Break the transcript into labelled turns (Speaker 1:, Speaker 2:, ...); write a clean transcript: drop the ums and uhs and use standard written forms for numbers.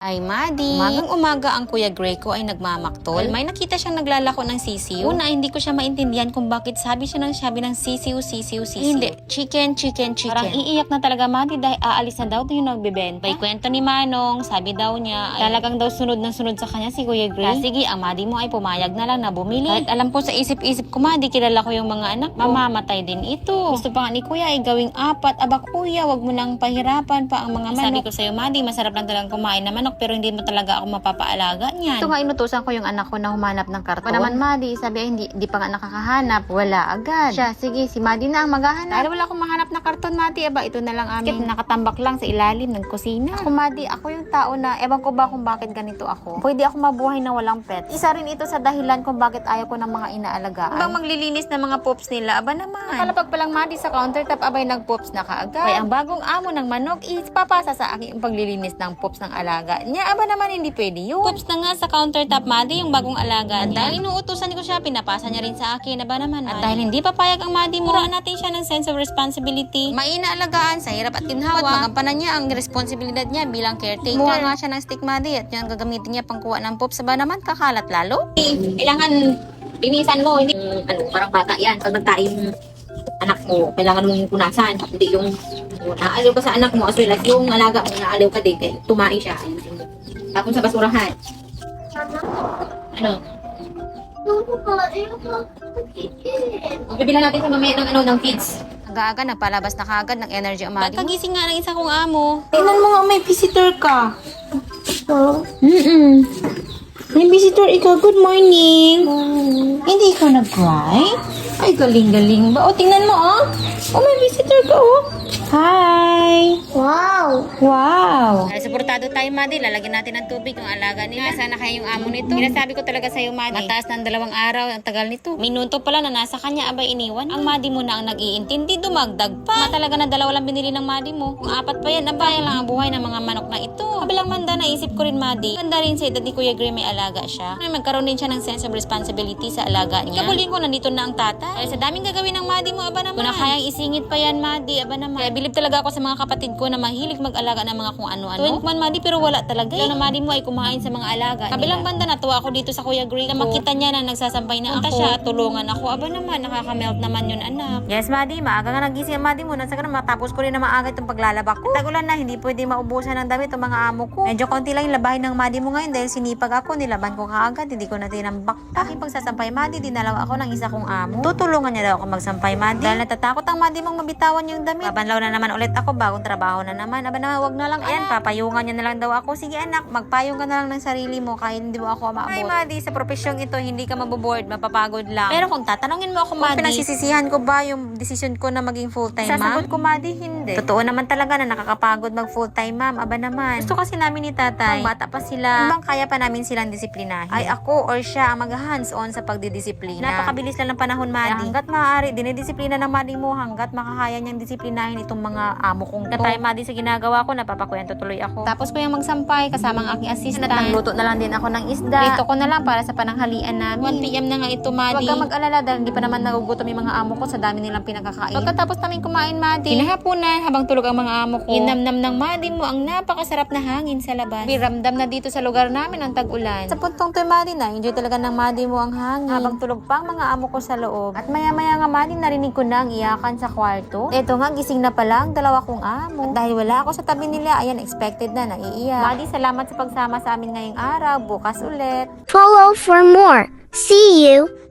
Speaker 1: Ay, Madi. Umagang-umaga ang Kuya Gray ko ay nagmamaktol. May nakita siyang naglalako ng sisiw. Una, hindi ko siya maintindihan kung bakit sabi ng sisiw. Hindi, chicken. Parang iiyak na talaga, Madi, dahil aalis na daw yung nagbebenta. May kwento ni Manong, sabi daw niya, ay talagang daw sunod sa kanya si Kuya Gray. Kaya sige, ang Madi mo ay pumayag na lang na bumili. Kahit alam po sa isip-isip ko, Madi, kilala ko yung mga anak ko. Mamamatay din ito. Gusto pa nga ni Kuya ay gawing 4. Aba, Kuya, wag mo nang pahirapan pa ang mga manok. Sabi ko sa'yo, Madi, masarap lang talagang kumain na manok, pero hindi mo talaga ako mapapaalaga niyan. Ito nga, inutusan ko yung anak ko na humanap ng karton. Pa naman, Madi, sabi ay hindi pa nga nakakahanap. Wala agad. Siya, sige, si Madi na ang maghahanap. Dahil wala akong mahanap na karton, Madi, aba, ito na lang amin. Nakatambak lang sa ilalim ng kusina. Ako, Madi, ako yung tao na, ewan ko ba kung bakit ganito ako. Pwede ako mabuhay na walang pet. Isa rin ito sa dahilan kung bakit ayaw ko ng mga inaalagaan. Bang maglilinis ng mga poops nila, aba naman. Nakalapag pa lang, Madi, sa countertop, abay nag-poops na kaagad. Kaya ang bagong amo ng manok is papasa sa akin yung paglilinis ng poops ng alaga niya. Aba naman, hindi pwede yun. Poops na nga sa countertop, Madi, yung bagong alaga niya. Dahil inuutusan ko siya, pinapasa niya rin sa akin. Aba naman, Madi. At dahil hindi papayag ang Madi mo, muraan natin siya ng sense of responsibility. Mainaalagaan sa hirap at ginhawa. At magampanan niya ang responsibilidad niya bilang caretaker. Kumuha nga siya ng stick, Madi, at yun gagamitin niya pangkuha ng poops. Aba naman, kakalat lalo.
Speaker 2: Kailangan linisan mo, hindi parang bata yan. Pag nagtayo yung anak mo, kailangan mong punasan. Hindi yung naaliw ka sa anak mo, as well as yung alaga mo, naaliw ka din, kaya tumae siya. Ayusin mo. Tapos sa basurahan. Ano? Bibila natin sa mamaya ng feeds.
Speaker 1: Aga-aga, nagpalabas na kagad ng energy ang Madi. Kagising nga ng isa kong amo.
Speaker 3: Tingnan mo nga, may visitor ka. May visitor ikaw. Good morning. Hindi ikaw nag-cry? Ay, galing-galing ba? O, tingnan mo, oh. Oh, may visitor ka, oh. Hi. Wow.
Speaker 1: Dahil suportado tayo, Madi, lalagyan natin ng tubig yung alaga nila. Sana kaya yung amo nito. Sinasabi ko talaga sa'yo, Madi. Mataas ng 2 araw, ang tagal nito. Minuto pala na nasa kanya, abay iniwan. Ang Madi mo na ang nag-iintindi, dumagdag pa. Talaga na 2 lang binili ng Madi mo. Kung 4 pa yan, abay lang ang buhay ng mga manok na ito. Kabilang manda, naisip ko rin, Madi. Ganda rin sa edad ni Kuya Gray, may alaga siya. Magkaroon din siya ng sense of responsibility sa alaga niya. Kabulin ko, nandito na ang tata. Dahil sa daming gagawin ng Madi mo, aba naman. Kung na kayang isingit pa yan, Madi, aba naman. Kaya bilib talaga ako sa mga kapatid ko na mahilig mag-alaga ng mga kung ano-ano. Tuwing man, Madi, pero wala talaga. Yung Madi mo ay kumain sa mga alaga kabilang banda, natuwa ako dito sa Kuya Gray. Na makita niya na nagsasampay na ako. Siya, tulungan ako. Aba naman, nakakamelt naman yun, anak. Yes, Madi, maaga nga nagising ang Madi mo. Nasa ka na, matapos ko rin na maaga itong paglalaba ko. Tagulan na, hindi pwede maubusan ng damit ang mga amo ko. Medyo konti lang yung labahin ng Madi mo ngayon dahil sinipag ako, nilaban ko kaagad, hindi ko na tinambak. Aking pagsasampay, Madi, dinalaw ako ng isa kong amo. Tutulungan niya daw ako magsampay, Madi. Dahil natatakot ang Madi mong mabitawan yung damit. Babanlaw na naman ulit ako, bagong trabaho na naman. Aba naman, wag na lang, ayan, papayungan niya na lang daw ako. Sige anak, magpayong ka na lang ng sarili mo kahit hindi mo ako maabot. Ay, Madi, sa profesyong ito, hindi ka maboboard, mapapagod lang. Pero kung tatanungin mo ako, Madi, pinagsisisihan ko ba yung decision ko na maging full-time ma'am? Sasagot ko, Madi, hindi. Totoo naman talaga na nakakapagod mag full-time ma'am. Aba naman. Gusto kasi namin ni tatay. Ang bata pa sila. Ibang kaya pa namin silang disiplinahin. Ay ako or siya ang mag-hands-on sa pagdidisiplina. Napakabilis lang ng panahon, Madi. Kaya hanggat maaari, dinidisiplina ng Madi mo hanggat makakaya niyang disiplinahin itong mga amo kong to. Katay, Madi, sa ginagawa ko, napapakwento tuloy ako. Tapos ko yung magsampay kasama ang aking assistant. Nagluto na lang din ako ng isda. Dito ko na lang para sa pananghalian namin. 1 PM na nga ito, Madi. Huwag kang mag-alala dahil hindi pa naman nagugutom yung mga amo ko sa dami nilang pinakakain. Pagkatapos namin kumain, Madi, kinahaponan habang tulog ang mga amo ko. Inamnam ng Madi mo ang napakasarap na hangin sa labas. Biramdam na dito sa lugar namin ang tag-ulan. Sa puntong to, Madi, na enjoy talaga ng Madi mo ang hangin. Habang tulog pa ang mga amo ko sa loob. At maya-maya nga, Madi, narinig ko na ang iyakan sa kwarto. Eto nga, gising na pala ang 2 kong amo. At dahil wala ako sa tabi nila, ayan, expected na naiiyak. Madi, salamat sa pagsama sa amin ngayong araw. Bukas ulit.
Speaker 4: Follow for more. See you.